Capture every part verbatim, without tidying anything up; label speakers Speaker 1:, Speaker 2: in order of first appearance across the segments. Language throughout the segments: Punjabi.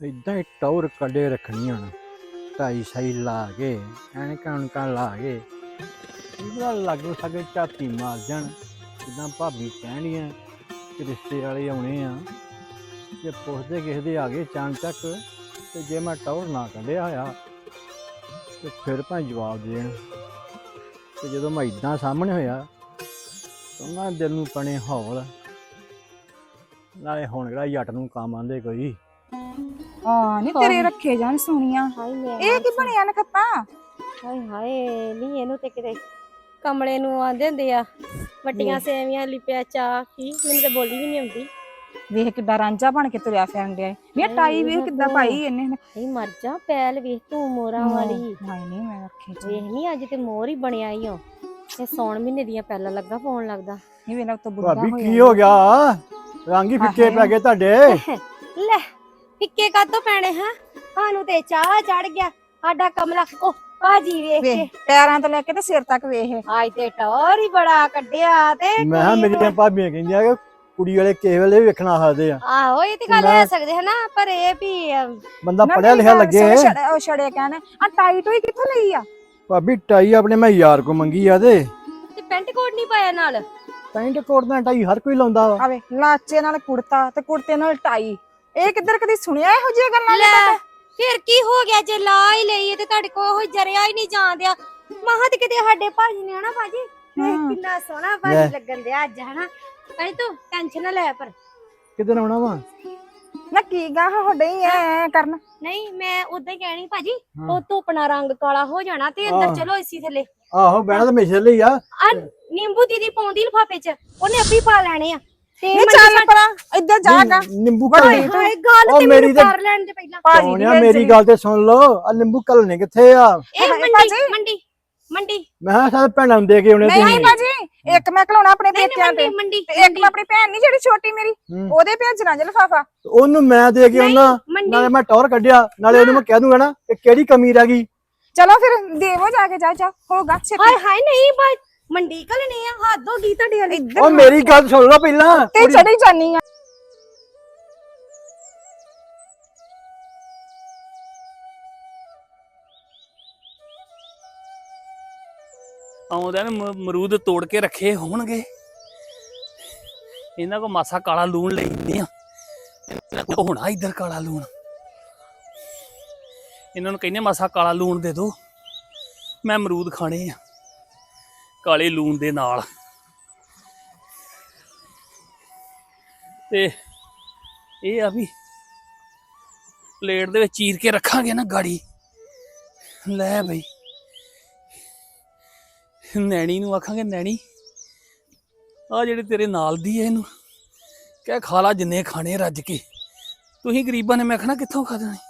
Speaker 1: इदा ही टौर कड़े रखनी हूँ ढाई शाई ला के ऐनका उनका ला के लगो सके झाती मार जान जिदा भाभी कहनिया कि रिश्ते वाले आने आ जे पुछते किसी दे आ गए चान तक तो जे मैं टौर ना कढ़िया होया तो फिर भाई जवाब देन तो जो मैं इदा सामने होया तो उन्होंने दिल में बने हौल नाले हुण किहड़ा जट नूं काम आंदे कोई
Speaker 2: हाँ नी तेरे रखे जान सोनिया ਇਹ ਕੀ ਬਣਿਆ ਨਖੱਤਾ
Speaker 3: ਹਾਏ ਹਾਏ ਨਹੀਂ ਇਹਨੂੰ ਤੇ ਕਿਤੇ ਕਮਲੇ ਨੂੰ ਆਂਦੇ ਹੁੰਦੇ ਆ ਵੱਟੀਆਂ ਸੇਵੀਆਂ ਲਿਪਿਆ ਚਾ ਕੀ ਮੈਨੂੰ ਤੇ ਬੋਲੀ ਵੀ ਨਹੀਂ ਆਉਂਦੀ
Speaker 2: ਵੇਖ ਕਿੱਦਾਂ ਰਾਂਝਾ ਬਣ ਕੇ ਤੁਰਿਆ ਫਿਰਨ ਡਿਆ ਨੀ ਟਾਈ ਵੇਖ ਕਿੱਦਾਂ ਪਾਈ ਇਹਨੇ
Speaker 3: ਨਹੀਂ ਮਰ ਜਾ ਪੈਲ ਵੇਖ ਤੂੰ ਮੋਰਾਂ ਵਾਲੀ
Speaker 2: ਹਾਏ ਨਹੀਂ ਮੈਂ ਰੱਖੇ ਚ
Speaker 3: ਵੇਖ ਨਹੀਂ ਅੱਜ ਤੇ ਮੋਰ ਹੀ ਬਣਿਆ ਈ ਓ ਇਹ ਸੌਣ ਮਹੀਨੇ ਦੀਆਂ ਪੈਲਾਂ ਲੱਗਾ ਪਾਉਣ ਲੱਗਦਾ
Speaker 2: ਨਹੀਂ ਵੇਲਾ ਤੋਂ ਬੁੱਢਾ
Speaker 1: ਭਾਬੀ
Speaker 2: ਹੋਇਆ
Speaker 1: ਕੀ ਹੋ ਗਿਆ ਰੰਗ ਹੀ ਫਿੱਕੇ ਪੈ ਗਏ ਤੁਹਾਡੇ
Speaker 3: ਲੈ ਫਿੱਕੇ ਕਾਤੋਂ ਪੈਣੇ ਹਾਂ ਸਾਨੂੰ ਤੇ ਚਾਹ ਚੜ ਗਿਆ ਸਾਡਾ ਕਮਲਾ ਓ ਭਾਜੀ ਵੇਖ ਕੇ
Speaker 2: ਵੇਖ ਪੈਰਾਂ ਤੋਂ ਲੈ ਕੇ ਤੇ ਸਿਰ ਤੱਕ ਵੇਖ
Speaker 3: ਅੱਜ ਤੇ ਟੌਰ ਹੀ ਬੜਾ ਕੱਢਿਆ ਤੇ
Speaker 1: ਮੈਂ ਕਿਹਾ ਮੇਰੀਆਂ ਭਾਬੀਆਂ ਕਹਿੰਦੀਆਂ ਕਿ ਕੁੜੀ ਵਾਲੇ ਕਿਸੇ ਵੇਲੇ ਵੀ ਵੇਖਣਾ ਸਕਦੇ ਆ
Speaker 3: ਆਹੋ ਇਹ ਤੇ ਗੱਲ ਹੋ ਸਕਦੇ ਹੈ ਨਾ ਪਰ ਇਹ ਵੀ
Speaker 1: ਬੰਦਾ ਪੜਿਆ ਲਿਖਿਆ ਲੱਗੇ
Speaker 2: ਉਹ ਛੜੇ ਕਹਿੰਦੇ ਆ ਟਾਈ ਟੋਈ ਕਿੱਥੋਂ ਲਈ ਆ
Speaker 1: ਭਾਬੀ ਟਾਈ ਆਪਣੇ ਮੈਂ ਯਾਰ ਕੋ ਮੰਗੀ ਆ ਤੇ
Speaker 3: ਤੇ ਪੈਂਟ ਕੋਟ ਨਹੀਂ ਪਾਇਆ ਨਾਲ
Speaker 1: ਪੈਂਟ ਕੋਟ ਦਾ ਟਾਈ ਹਰ ਕੋਈ ਲਾਉਂਦਾ ਵਾ
Speaker 2: ਆਵੇ ਲਾਚੇ ਨਾਲ ਕੁੜਤਾ ਤੇ ਕੁੜਤੇ ਨਾਲ ਟਾਈ ਇਹ ਕਿੱਧਰ ਕਦੀ ਸੁਣਿਆ ਇਹੋ ਜਿਹੀਆਂ ਗੱਲਾਂ
Speaker 3: ਲੈ ਫਿਰ ਕੀ ਹੋ ਗਿਆ ਜੇ ਲਾ ਹੀ ਲਈ ਤੇ ਤੁਹਾਡੇ ਕੋਲ ਉਹ ਜਰਿਆ ਹੀ ਨਹੀਂ ਜਾਂਦਿਆ ਮਹਾਂ ਤੇ ਕਿਤੇ ਸਾਡੇ ਭਾਜੀ ਨੇ ਹਨਾ ਭਾਜੀ ਕਿੰਨਾ ਸੋਹਣਾ ਭਾਜੀ ਲੱਗਣ ਦਿਆ ਅੱਜ ਹਨਾ ਕਹੀਂ ਤੂੰ ਟੈਨਸ਼ਨ ਨਾ ਲੈ ਪਰ
Speaker 1: ਕਿੱਧਰ ਆਉਣਾ ਵਾ
Speaker 2: ਨਾ ਕੀ ਗਾ ਹੋਡੇ ਹੀ ਐ ਕਰਨ
Speaker 3: ਨਹੀਂ ਮੈਂ ਉਦਾਂ ਹੀ ਕਹਿਣੀ ਭਾਜੀ ਉਹ ਧੁੱਪਣਾ ਰੰਗ ਕਾਲਾ ਹੋ ਜਾਣਾ ਤੇ ਅੰਦਰ ਚਲੋ ਏਸੀ ਥੱਲੇ
Speaker 1: ਆਹੋ ਬਹਿਣਾ ਤਾਂ ਮੇਸ਼ੇ ਲਈ ਆ
Speaker 3: ਆ ਨਿੰਬੂ ਦੀਦੀ ਪਾਉਂਦੀ ਲਿਫਾਫੇ ਚ ਉਹਨੇ ਅੱਪੀ ਪਾ ਲੈਣੇ ਆ ਤੇ
Speaker 2: ਨਹੀਂ ਚੱਲ ਪਰਾਂ ਇੱਧਰ ਜਾਗਾ
Speaker 1: ਨਿੰਬੂ
Speaker 3: ਹਾਏ ਹਾਏ ਗੱਲ ਤੇ ਮੈਨੂੰ ਕਰ ਲੈਣ ਦੇ ਪਹਿਲਾਂ
Speaker 1: ਭਾਜੀ ਮੇਰੀ ਗੱਲ ਤੇ ਸੁਣ ਲਓ ਆ ਨਿੰਬੂ ਘਲਣੇ ਕਿੱਥੇ ਆ
Speaker 3: ਇਹ ਮੰਡੀ ਮੰਡੀ ਮੰਡੀ
Speaker 1: ਮੈਂ ਕਿਹਾ ਸਾਰੇ ਭੈਣਾਂ ਨੂੰ ਦੇ ਕੇ ਆਉਣੇ
Speaker 2: ਨਹੀਂ ਬਾਜੀ ਇੱਕ ਮੈਂ ਖਲਾਉਣਾ ਆਪਣੇ ਪੇਕਿਆਂ ਤੇ
Speaker 3: ਮੰਡੀ
Speaker 2: ਇੱਕ ਮੈਂ ਆਪਣੀ ਭੈਣ ਨਹੀਂ ਜਿਹੜੀ ਛੋਟੀ ਮੇਰੀ ਉਹਦੇ ਭੇਜਣਾ ਜੇ ਲਿਫਾਫਾ
Speaker 1: ਉਹਨੂੰ ਮੈਂ ਦੇ ਕੇ ਆਉਣਾ ਨਾਲੇ ਮੈਂ ਟੌਰ ਕੱਢਿਆ ਨਾਲੇ ਉਹਨੂੰ ਮੈਂ ਕਹਿ ਦੂੰਗਾ ਨਾ ਕਿ ਕਿਹੜੀ ਕਮੀ ਰਹਿ ਗਈ
Speaker 2: ਚਲੋ ਫਿਰ ਦੇਵੋ ਜਾ ਕੇ ਜਾ ਜਾ ਹੋਗਾ
Speaker 3: ਹਾਏ ਹਾਏ ਨਹੀਂ ਬਾਈ ਮੰਡੀ ਕਲਣੀ ਆ ਹੱਦ ਹੋ ਗਈ ਤੁਹਾਡੇ ਵਾਲੀ
Speaker 1: ਉਹ ਮੇਰੀ ਗੱਲ ਸੁਣ ਲਓ ਪਹਿਲਾਂ
Speaker 2: ਤੇ ਚੜੀ ਜਾਨੀ ਆ
Speaker 4: ਆਉਂਦਿਆਂ ਨੂੰ ਮਰੂਦ ਤੋੜ ਕੇ ਰੱਖੇ ਹੋਣਗੇ ਇਹਨਾਂ ਕੋ ਮਾਸਾ ਕਾਲਾ ਲੂਣ ਲੈਂਦੇ ਆ ਹੋਣਾ ਇੱਧਰ ਕਾਲਾ ਲੂਣ ਇਹਨਾਂ ਨੂੰ ਕਹਿੰਦੇ ਮਾਸਾ ਕਾਲਾ ਲੂਣ ਦੇ ਦੋ ਮੈਂ ਅਮਰੂਦ ਖਾਣੇ ਆ ਕਾਲੇ ਲੂਣ ਦੇ ਨਾਲ ਤੇ ਇਹ ਆ ਵੀ ਪਲੇਟ ਦੇ ਵਿੱਚ ਚੀਰ ਕੇ ਰੱਖਾਂਗੇ ਨਾ ਗਾੜੀ ਲੈ ਬਈ ਨੈਣੀ ਨੂੰ ਆਖਾਂਗੇ ਨੈਣੀ ਆ ਜਿਹੜੇ ਤੇਰੇ ਨਾਲ ਦੀ ਐ ਇਹਨੂੰ ਕਹਿ ਖਾ ਲਾ ਜਿੰਨੇ ਖਾਣੇ ਰੱਜ ਕੇ ਤੁਸੀਂ ਗਰੀਬਾਂ ਨੇ ਮੈਂ ਆਖਣਾ ਕਿੱਥੋਂ ਖਾ ਦੇਣੇ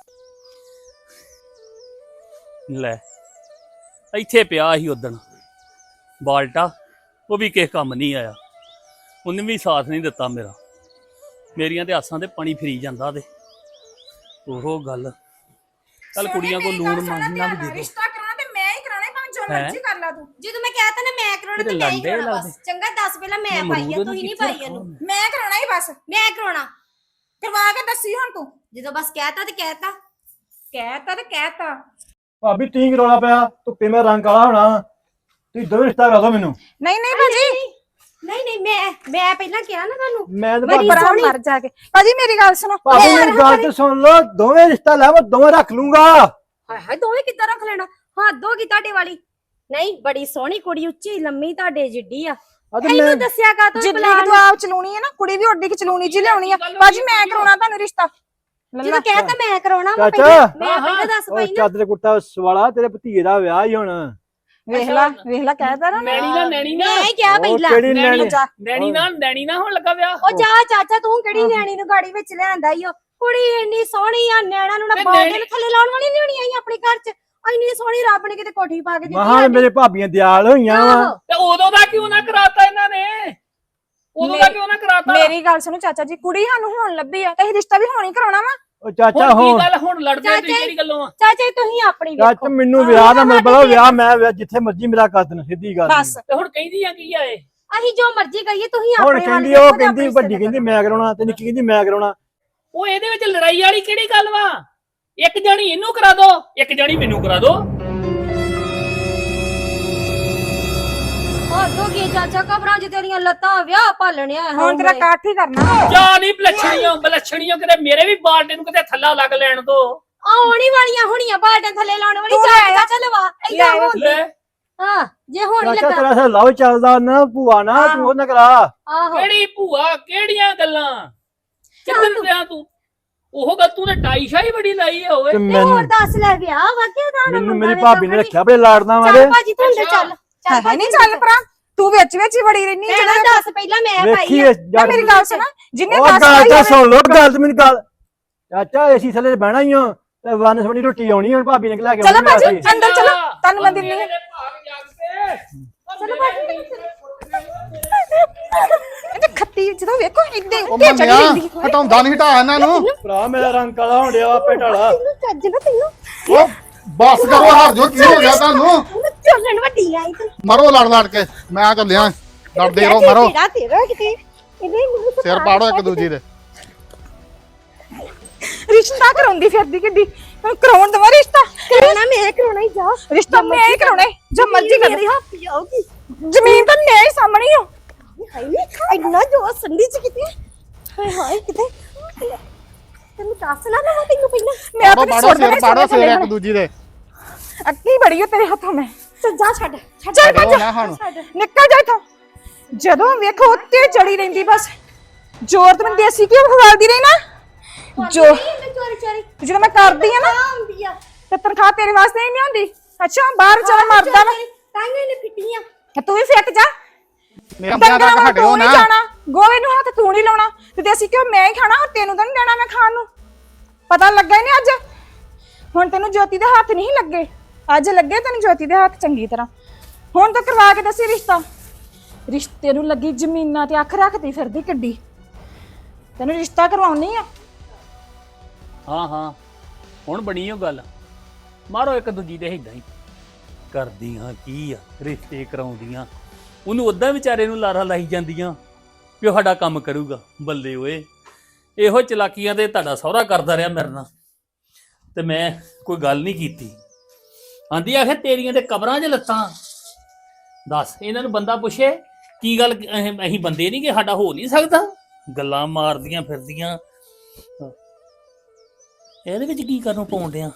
Speaker 4: ਲੈ ਇੱਥੇ ਪਿਆ ਸੀ ਉਦਣ ਬਾਲਟਾ ਉਹ ਵੀ ਕਿਸੇ ਕੰਮ ਨਹੀਂ ਆਇਆ ਉਹਨੇ ਵੀ ਸਾਥ ਨਹੀਂ ਦਿੱਤਾ ਮੇਰਾ ਮੇਰੀਆਂ ਤੇ ਆਸਾਂ ਤੇ ਪਾਣੀ ਫਰੀ ਜਾਂਦਾ ਤੇ ਉਹ ਗੱਲ ਚੱਲ ਕੁੜੀਆਂ ਕੋ ਲੂਣ ਮੰਗਣਾ ਵੀ ਦੇ ਦੇ
Speaker 2: ਰਿਸ਼ਤਾ ਕਰਾਉਣਾ ਤੇ ਮੈਂ ਹੀ ਕਰਾਉਣਾ ਭਾਵੇਂ ਜੋ ਮਰਜ਼ੀ ਕਰ ਲਾ ਤੂੰ
Speaker 3: ਜਦੋਂ ਮੈਂ ਕਹਿਤਾ ਨਾ ਮੈਂ ਕਰਾਉਣਾ ਤੇ ਮੈਂ ਹੀ ਕਰਾਉਣਾ ਬਸ ਚੰਗਾ ਦੱਸ ਪਹਿਲਾਂ ਮੈਂ ਪਾਈ ਆ ਤੁਸੀਂ ਨਹੀਂ ਪਾਈ ਇਹਨੂੰ
Speaker 2: ਮੈਂ ਕਰਾਉਣਾ ਹੀ ਬਸ
Speaker 3: ਮੈਂ ਕਰਾਉਣਾ
Speaker 2: ਕਰਵਾ ਕੇ ਦੱਸੀ ਹੁਣ ਤੂੰ
Speaker 3: ਜਦੋਂ ਬਸ ਕਹਿਤਾ ਤੇ ਕਹਿਤਾ
Speaker 2: ਕਹਿਤਾ ਤੇ ਕਹਿਤਾ
Speaker 1: ਭਾਬੀ ਟੀ ਰੌਲਾ ਪਿਆ ਧੁੱਪੇ ਮੈਂ ਰੰਗ ਕਾਲਾ ਹੋਣਾ ਤੁਸੀਂ ਦੋਵੇਂ ਰਿਸ਼ਤਾ ਕਰਾ ਦਿਓ ਮੈਨੂੰ
Speaker 2: ਨਹੀਂ ਨਹੀਂ ਭਾਜੀ
Speaker 3: ਨਹੀਂ ਨਹੀਂ ਮੈਂ ਮੈਂ ਪਹਿਲਾਂ ਕਿਹਾ ਨਾ ਤੁਹਾਨੂੰ
Speaker 1: ਮੈਂ ਤਾਂ
Speaker 2: ਬੜੀ ਬੜਾ ਮਰ ਜਾ ਕੇ ਭਾਜੀ ਮੇਰੀ ਗੱਲ ਸੁਣੋ
Speaker 1: ਭਾਬੀ ਮੇਰੀ ਗੱਲ ਤੇ ਸੁਣ ਲਓ ਦੋਵੇਂ ਰਿਸ਼ਤਾ ਲੈ ਮੈਂ ਦੋਵੇਂ ਰੱਖ ਲੂੰਗਾ
Speaker 3: ਹਾਏ ਹਾਏ ਦੋਵੇਂ ਕਿੱਦਾਂ ਰੱਖ ਲੈਣਾ ਹੱਦ ਹੋ ਗਈ ਤੁਹਾਡੇ ਵਾਲੀ ਨਹੀਂ ਬੜੀ ਸੋਹਣੀ ਕੁੜੀ ਉੱਚੀ ਲੰਮੀ ਤੁਹਾਡੇ ਜਿੱਡੀ ਆ ਇਹਨੂੰ ਦੱਸਿਆ ਕਾ ਤੂੰ
Speaker 2: ਜਿੱਡੀ ਤੂੰ ਆਪ ਚਲਾਉਣੀ ਹੈ ਨਾ ਕੁੜੀ ਵੀ ਓਡੀ ਕਿ ਚਲਾਉਣੀ ਜੀ ਲਿਆਉਣੀ ਆ ਭਾਜੀ ਮੈਂ ਕਰਾਉਣਾ ਤੁਹਾਨੂੰ ਰਿਸ਼ਤਾ
Speaker 3: ਜਦੋਂ ਕਹਿਤਾ ਮੈਂ ਕਰਾਉਣਾ ਮੈਂ
Speaker 1: ਚਾਚਾ
Speaker 3: ਮੈਂ ਪਹਿਲਾਂ ਦੱਸ ਪਈ ਨਾ
Speaker 1: ਚਾਦਰ ਕੁੱਟਾ ਸਵਾਲਾ ਤੇਰੇ ਭਤੀਜੇ ਦਾ ਵਿਆਹ ਹੀ ਹੁਣ
Speaker 2: ਵੇਖ ਲੈ ਵੇਖ ਲੈ ਕਹਿਦਾ ਨਾ
Speaker 4: ਨੈਣੀ ਨਾ ਨੈਣੀ ਨਾ
Speaker 3: ਮੈਂ ਕਿਹਾ ਪਹਿਲਾਂ
Speaker 1: ਕਿਹੜੀ ਨੈਣੀ
Speaker 4: ਨੈਣੀ ਨਾ ਨੈਣੀ ਨਾ ਹੁਣ ਲੱਗਾ ਵਿਆਹ
Speaker 3: ਉਹ ਜਾ ਚਾਚਾ ਤੂੰ ਕਿਹੜੀ ਨਿਆਣੀ ਨੂੰ ਗਾੜੀ ਵਿੱਚ ਲਿਆਂਦਾ ਈ ਓ ਕੁੜੀ ਇੰਨੀ ਸੋਹਣੀ ਆ ਨਿਆਣਾ ਨੂੰ ਨਾ ਬਾਲ ਦੇ ਥੱਲੇ ਲਾਉਣ ਵਾਲੀ ਨਹੀਂ ਹੋਣੀ ਆਈ ਆਪਣੇ ਘਰ ਚ ਇੰਨੀ ਸੋਹਣੀ ਰੱਬ ਨੇ ਕਿਤੇ ਕੋਠੀ ਪਾ ਕੇ ਦਿੱਤੀ
Speaker 1: ਮਹਾਂ ਮੇਰੇ ਭਾਬੀਆਂ ਦਿਆਲ ਹੋਈਆਂ ਵਾ
Speaker 4: ਤੇ ਉਦੋਂ ਦਾ ਕਿਉਂ ਨਾ ਕਰਾਤਾ ਇਹਨਾਂ ਨੇ ਉਦੋਂ ਦਾ ਕਿਉਂ ਨਾ ਕਰਾਤਾ
Speaker 2: ਮੇਰੀ ਗੱਲ ਸੁਣੋ ਚਾਚਾ ਜੀ ਕੁੜੀ ਸਾਨੂੰ ਹੁਣ ਲੱਭੀ ਆ ਤੇ ਰਿਸ਼ਤਾ ਵੀ ਹੁਣ ਹੀ ਕਰਾਉਣਾ ਵਾ
Speaker 1: ਉਹ ਚਾਚਾ
Speaker 4: ਹੁਣ
Speaker 1: ਹੁਣ
Speaker 4: ਕੀ ਗੱਲ ਹੁਣ ਲੜਦੇ ਤੁਸੀਂ ਕਿਹੜੀ ਗੱਲੋਂ ਆ
Speaker 3: ਚਾਚਾ ਤੁਸੀਂ ਆਪਣੀ
Speaker 1: ਚਾਚਾ
Speaker 3: ਵੇਖੋ
Speaker 1: ਮੈਨੂੰ ਵਿਆਹ ਦਾ ਮਤਲਬ ਵਿਆਹ ਮੈਂ ਜਿੱਥੇ ਮਰਜ਼ੀ ਮੇਰਾ ਕਰ ਦੇਣਾ ਸਿੱਧੀ ਗੱਲ
Speaker 2: ਬਸ
Speaker 4: ਤੇ ਹੁਣ ਕਹਿੰਦੀ ਆ ਕੀ ਆ ਇਹ
Speaker 3: ਅਸੀਂ ਜੋ ਮਰਜ਼ੀ ਕਹੀਏ ਤੁਸੀਂ
Speaker 1: ਹੁਣ
Speaker 3: ਆਪਣੇ
Speaker 1: ਕਹਿੰਦੀ ਉਹ ਕਹਿੰਦੀ ਵੱਡੀ ਕਹਿੰਦੀ ਮੈਂ ਕਰਾਉਣਾ ਤੇ ਨਿੱਕੀ ਕਹਿੰਦੀ ਮੈਂ ਕਰਾਉਣਾ
Speaker 4: ਉਹ ਇਹਦੇ ਵਿੱਚ ਲੜਾਈ ਵਾਲੀ ਕਿਹੜੀ ਗੱਲ ਵਾ? ਇੱਕ ਜਾਣੀ ਇਹਨੂੰ ਕਰਾ ਦੋ, ਇੱਕ ਜਾਣੀ ਮੈਨੂੰ ਕਰਾ ਦੋ।
Speaker 3: ਹੱਦ ਹੋ ਗਈ ਚਾਚਾ, ਕਬਰਾਂ 'ਚ ਤੇਰੀਆਂ ਲੱਤਾਂ ਵਿਆਹ ਭਾਲਣਿਆ
Speaker 2: ਹੁਣ ਤੇਰਾ ਕਾਠ ਹੀ ਕਰਨਾ।
Speaker 4: ਜਾ ਨਹੀਂ ਬਲਛਣੀਆਂ ਬਲਛਣੀਆਂ, ਕਿਤੇ ਮੇਰੇ ਵੀ ਬਾਲਟੇ ਨੂੰ ਕਿਤੇ ਥੱਲਾ ਲੱਗ ਲੈਣ ਦੋ।
Speaker 3: ਆਉਣੀ ਵਾਲੀਆਂ ਹੁਣੀਆਂ ਬਾਲਟਾਂ ਥੱਲੇ ਲਾਉਣ ਵਾਲੀ
Speaker 2: ਤੂੰ
Speaker 3: ਚਾਚਾ
Speaker 2: ਲੈ ਆ।
Speaker 3: ਚਾਚਾ ਲਵਾ ਏਦਾਂ
Speaker 2: ਲੈ ਆ।
Speaker 3: ਹੋਣ ਦੇ। ਹਾਂ ਜੇ ਹੁਣ ਹੀ
Speaker 1: ਚਾਚਾ
Speaker 3: ਲੱਗਾ
Speaker 1: ਤੇਰਾ ਸੇ ਲਵ ਚੱਲਦਾ ਨਾ ਭੂਆ ਨਾ, ਤੂੰ ਉਹ ਨਾ ਕਰਾ।
Speaker 3: ਆਹੋ
Speaker 4: ਕਿਹੜੀ ਭੂਆ, ਕਿਹੜੀਆਂ ਗੱਲਾਂ? ਕਿੱਧਰ ਗਿਆ ਤੂੰ? ਉਹ ਗੱਲ ਤੂੰ ਤੇ ਟਾਈ ਸ਼ਾਈ ਬੜੀ ਲਾਈ ਆ ਓਏ।
Speaker 1: ਤੇ
Speaker 3: ਤੇ
Speaker 1: ਮੈਨੂੰ
Speaker 3: ਹੋਰ ਦੱਸ ਲੈ ਵਿਆਹ ਵਾ ਕਿ ਉਹਦਾ
Speaker 1: ਮੈਨੂੰ ਮੇਰੀ ਭਾਬੀ ਨੇ ਰੱਖਿਆ ਬੜੇ ਲਾੜਨਾ ਵਾਲੇ।
Speaker 3: ਚੱਲ ਭਾਜੀ ਤੂੰ ਅੰਦਰ ਚੱਲ ਚੱਲ
Speaker 2: ਹੈ ਨਹੀਂ ਚੱਲ ਭਰਾ, ਤੂੰ ਵਿੱਚ ਵਿੱਚ ਹੀ ਵੜੀ ਰਹਿਨੀ
Speaker 3: ਜਿਹੜਾ
Speaker 2: ਜਿਹੜਾ
Speaker 3: ਦੱਸ ਪਹਿਲਾਂ ਮੈਂ ਪਾਈ
Speaker 1: ਵੇਖੀ
Speaker 3: ਆ।
Speaker 2: ਨਾ ਮੇਰੀ ਗੱਲ ਸੁਣ, ਜਿੰਨੇ
Speaker 1: ਉਹ
Speaker 2: ਦੱਸ
Speaker 1: ਗੱਲ
Speaker 2: ਪਾਈ
Speaker 1: ਤਾਂ
Speaker 2: ਹੋਵੇ-
Speaker 1: ਸੁਣ ਲੋ, ਗੱਲ ਤੇ ਮੈਨੂੰ ਗੱਲ। ਚਾਚਾ ਏਸੀ ਥੱਲੇ ਬਹਿਣਾ ਹੀ ਆ ਤੇ ਵਨ ਸਵਣੀ ਰੋਟੀ ਆਉਣੀ ਹੁਣ ਭਾਬੀ ਨੇ ਲੈ ਕੇ
Speaker 2: ਚਲੋ
Speaker 1: ਆਉਣੀ
Speaker 2: ਭਾਜੀ
Speaker 1: ਰਾਤੀ।
Speaker 2: ਅੰਦਰ ਚਲੋ, ਤੁਹਾਨੂੰ ਮੈਂ ਦਿੰਨੀ ਆ।
Speaker 3: ਚਲੋ ਭਾਜੀ
Speaker 2: ਇਹ ਖੱਤੀ ਜਦੋਂ ਵੇਖੋ ਇੱਦਾਂ
Speaker 5: ਉਹ
Speaker 2: ਉੱਤੇ ਚੜੀ
Speaker 5: ਮੰਨਿਆ
Speaker 2: ਰਹਿੰਦੀ
Speaker 5: ਹਟਾਉਂਦਾ ਨਹੀਂ, ਹਟਾ ਇਹਨਾਂ ਨੂੰ।
Speaker 1: ਭਰਾ ਮੇਰਾ ਰੰਗ ਕਾਲਾ ਹੋਣ ਡਿਆ ਆਪੇ ਢਾਲਾ।
Speaker 3: ਤੈਨੂੰ ਚੱਜ ਨਾ ਤੈਨੂੰ
Speaker 5: ਉਹ ਬਸ ਕਰੋ, ਹਟ ਜੋ। ਕੀ ਹੋ ਗਿਆ ਤੁਹਾਨੂੰ?
Speaker 3: ਤੈਨੂੰ ਚੱਲਣ ਵੱਡੀ ਆਈ ਤੂੰ
Speaker 5: ਮਰੋ ਲੜ ਲੜ ਕੇ, ਮੈਂ ਚੱਲਿਆ। ਲੜਦੇ ਰਹੋ, ਮਰੋ।
Speaker 3: ਤੇਰਾ ਤੇਰਾ ਕਿਤੇ ਇਹਦੇ ਮੈਨੂੰ
Speaker 5: ਸਿਰ ਪਾੜੋ ਇੱਕ ਦੂਜੀ ਦੇ।
Speaker 2: ਰਿਸ਼ਤਾ ਕਰਾਉਂਦੀ ਫਿਰਦੀ ਕਿੱਡੀ, ਹੁਣ ਕਰਾਉਣ ਦਵਾ ਰਿਸ਼ਤਾ।
Speaker 3: ਕਰਾਉਣਾ ਮੈਂ ਕਰਾਉਣਾ ਹੀ ਜਾ
Speaker 2: ਰਿਸ਼ਤਾ ਮੈਂ ਹੀ ਕਰਾਉਣਾ ਈ, ਜੋ ਮਰਜ਼ੀ ਕਰ
Speaker 3: ਮੇਰੇ ਹੱਥ ਜਾਊਗੀ।
Speaker 2: ਜ਼ਮੀਨ ਤਾਂ ਮੈਂ ਹੀ ਸਾਹਮਣੀ ਆ।
Speaker 3: ਹਾਏ ਨੀ ਇੰਨਾ ਜੋ ਸੰਦੀ ਚ ਕਿਤੇ ਹਾਏ ਹਾਏ ਕਿਤੇ ਤੈਨੂੰ ਦੱਸ ਨਾ ਲਵਾਂ ਤੈਨੂੰ ਪਹਿਲਾਂ
Speaker 2: ਮੈਂ
Speaker 5: ਪਾੜੋ
Speaker 2: ਆਪਣੀ
Speaker 5: ਪਾੜੋ,
Speaker 2: ਸੁੱਟ
Speaker 5: ਸਿਰ
Speaker 2: ਦੇਣੇ
Speaker 5: ਪਾੜੋ, ਸਿਰ
Speaker 2: ਥੱਲੇ
Speaker 5: ਇੱਕ ਦੂਜੀ ਦੇ।
Speaker 2: ਅੱਕੀ ਬੜੀ ਹੋ ਤੇਰੇ ਹੱਥੋਂ ਮੈਂ।
Speaker 3: ਚੱਲ ਜਾ ਛੱਡ ਛੱਡ
Speaker 2: ਚੱਲ
Speaker 5: ਛੱਡੋ
Speaker 2: ਭੱਜ,
Speaker 5: ਨਾ ਹੁਣ।
Speaker 2: ਨਿਕਲ ਜਾ ਇੱਥੋਂ। ਜਦੋਂ ਵੇਖੋ ਉੱਤੇ ਚੜੀ ਰਹਿੰਦੀ ਬਸ। ਜ਼ੋਰ ਤੇ ਮੈਂ ਦੇਸੀ ਘਿਓ ਖਵਾਲਦੀ ਰਹੀ ਨਾ ਜੋ
Speaker 3: ਮੈਂ ਚੋਰੀ ਚੋਰੀ
Speaker 2: ਜਦੋਂ ਮੈਂ ਕਰਦੀ ਆ ਨਾ
Speaker 3: ਆਉਂਦੀ ਆ
Speaker 2: ਤੇ ਤਨਖਾਹ ਤੇਰੇ ਵਾਸਤੇ ਹੀ ਨਹੀਂ ਆਉਂਦੀ। ਅੱਛਾ ਬਾਹਰ ਚਲਾ ਮਰਦਾ ਵਾ
Speaker 3: ਤਾਂਗੇ ਨੇ ਫਿੱਟੀਆਂ
Speaker 2: ਤੇ ਤੂੰ ਵੀ ਫਿੱਕ ਜਾ।
Speaker 5: ਮੇਰਾ ਵਿਆਹ
Speaker 2: ਡੰਗਰਾਂ
Speaker 5: ਤੱਕ
Speaker 2: ਵੱਲ
Speaker 5: ਹਟਿਓ
Speaker 2: ਤੂੰ
Speaker 5: ਨਾ।
Speaker 2: ਨਹੀਂ ਜਾਣਾ, ਗੋਵੇ ਨੂੰ ਹੱਥ ਤੂੰ ਨਹੀਂ ਲਾਉਣਾ ਤੇ ਦੇਸੀ ਘਿਓ ਮੈਂ ਹੀ ਖਾਣਾ, ਤੈਨੂੰ ਤਾਂ ਨਹੀਂ ਦੇਣਾ ਮੈਂ ਖਾਣ ਨੂੰ। ਪਤਾ ਲੱਗਾ ਹੀ ਨਹੀਂ ਅੱਜ। ਹੁਣ ਤੈਨੂੰ ਜੋਤੀ ਦੇ ਹੱਥ ਨਹੀਂ ਲੱਗੇ, ਅੱਜ ਲੱਗੇ ਤੈਨੂੰ ਜੋਤੀ ਦੇ ਹੱਥ ਚੰਗੀ ਤਰ੍ਹਾਂ। ਹੁਣ ਤਾਂ ਕਰਵਾ ਕੇ ਦੱਸੀ ਰਿਸ਼ਤਾ। ਰਿਸ਼ਤੇ ਨੂੰ ਲੱਗੀ ਜ਼ਮੀਨਾਂ ਤੇ ਅੱਖ ਰੱਖਦੀ ਫਿਰਦੀ ਕਿੱਡੀ। ਤੈਨੂੰ ਰਿਸ਼ਤਾ ਕਰਵਾਉਣੀ ਆ।
Speaker 4: ਹਾਂ ਹਾਂ ਹੁਣ ਬਣੀ ਉਹ ਗੱਲ। ਮਾਰੋ ਇੱਕ ਦੂਜੀ ਦੇ ਏਦਾਂ ਹੀ ਕਰਦੀਆਂ ਕੀ ਆ, ਰਿਸ਼ਤੇ ਕਰਾਉਂਦੀਆਂ। ਉਹਨੂੰ ਉਦਾਂ ਵਿਚਾਰੇ ਨੂੰ ਲਾਰਾ ਲਾਈ ਜਾਂਦੀਆਂ ਵੀ ਉਹ ਸਾਡਾ ਕੰਮ ਕਰੂਗਾ। ਬੱਲੇ ਓਏ, ਇਹੋ ਚਲਾਕੀਆਂ ਤੇ ਤੁਹਾਡਾ ਸਹੁਰਾ ਕਰਦਾ ਰਿਹਾ ਮੇਰੇ ਨਾਲ, ਤੇ ਮੈਂ ਕੋਈ ਗੱਲ ਨਹੀਂ ਕੀਤੀ। ਆਂਦੀ ਆਖੇ ਤੇਰੀਆਂ ਤੇ ਕਬਰਾਂ 'ਚ ਲੱਤਾਂ। ਦੱਸ ਇਹਨਾਂ ਨੂੰ ਬੰਦਾ ਪੁੱਛੇ ਕੀ ਗੱਲ, ਅਸੀਂ ਅਸੀਂ ਬੰਦੇ ਨਹੀਂ ਕਿ ਸਾਡਾ ਹੋ ਨਹੀਂ ਸਕਦਾ? ਗੱਲਾਂ ਮਾਰਦੀਆਂ ਫਿਰਦੀਆਂ। ਇਹਦੇ ਵਿੱਚ ਕੀ ਕਰਨ ਪਾਉਣ ਡਿਆ?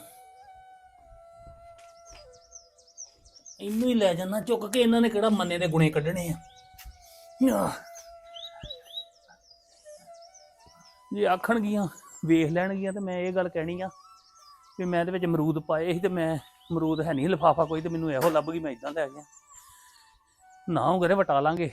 Speaker 4: ਇਹਨੂੰ ਹੀ ਲੈ ਜਾਣਾ ਚੁੱਕ ਕੇ। ਇਹਨਾਂ ਨੇ ਕਿਹੜਾ ਮੰਨੇ ਦੇ ਗੁਣੇ ਕੱਢਣੇ ਆ? ਜੇ ਆਖਣਗੀਆਂ ਵੇਖ ਲੈਣਗੀਆਂ ਤੇ ਮੈਂ ਇਹ ਗੱਲ ਕਹਿਣੀ ਆ ਵੀ ਮੈਂ ਇਹਦੇ ਵਿੱਚ ਅਮਰੂਦ ਪਾਏ ਸੀ ਤੇ ਮੈਂ ਅਮਰੂਦ ਹੈ ਨਹੀਂ, ਲਿਫਾਫਾ ਕੋਈ, ਤੇ ਮੈਨੂੰ ਇਹੋ ਲੱਭ ਗਈ, ਮੈਂ ਇਦਾਂ ਲੈ ਗਿਆ। ਨਾ ਉਹ ਕਰੇ ਵਟਾ ਲਾਂਗੇ।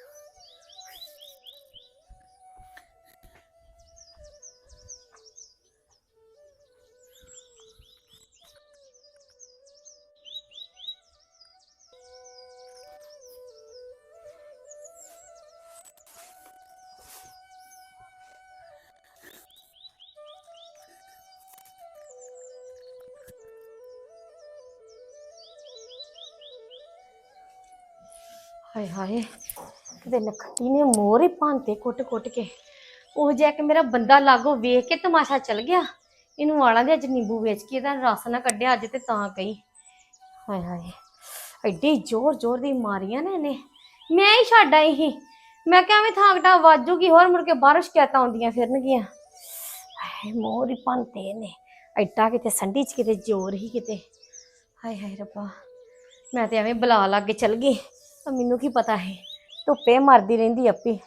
Speaker 3: ਹਾਏ ਹਾਏ ਕਿਤੇ ਨਖੱਤੀ ਨੇ ਮੋਰ ਹੀ ਭਾਂਤੇ ਕੁੱਟ ਕੁੱਟ ਕੇ। ਉਹ ਜਿਹਾ ਕਿ ਮੇਰਾ ਬੰਦਾ ਲਾਗੋ ਵੇਖ ਕੇ ਤਮਾਸ਼ਾ ਚੱਲ ਗਿਆ। ਇਹਨੂੰ ਵਾਲਾਂ ਦੇ ਅੱਜ ਨਿੰਬੂ ਵੇਚ ਕੇ ਇਹਦਾ ਰਸ ਨਾ ਕੱਢਿਆ ਅੱਜ ਤੇ ਤਾਂ ਕਹੀ। ਹਾਏ ਹਾਏ ਐਡੀ ਜ਼ੋਰ ਜ਼ੋਰ ਦੀ ਮਾਰੀਆਂ ਨੇ ਇਹਨੇ, ਮੈਂ ਹੀ ਛੱਡ ਆਈ ਸੀ। ਮੈਂ ਕਿਹਾ ਐਵੇਂ ਥਾਂਕਟਾ ਵਾਜੂਗੀ, ਹੋਰ ਮੁੜ ਕੇ ਬਾਹਰੋਂ ਸ਼ਿਕਾਇਤਾਂ ਆਉਂਦੀਆਂ ਫਿਰਨਗੀਆਂ। ਹਾਏ ਮੋਰ ਹੀ ਭਾਂਤੇ ਨੇ ਐਡਾ, ਕਿਤੇ ਸੰਢੀ ਚ ਕਿਤੇ ਜ਼ੋਰ ਹੀ ਕਿਤੇ। ਹਾਏ ਹਾਏ ਰੱਬਾ, ਮੈਂ ਤੇ ਐਵੇਂ ਬਲਾ ਲੱਗ ਕੇ ਚੱਲ ਗਈ। ਤਾਂ ਮੈਨੂੰ ਕੀ ਪਤਾ ਹੈ, ਧੁੱਪੇ ਮਰਦੀ ਰਹਿੰਦੀ ਆਪੀ।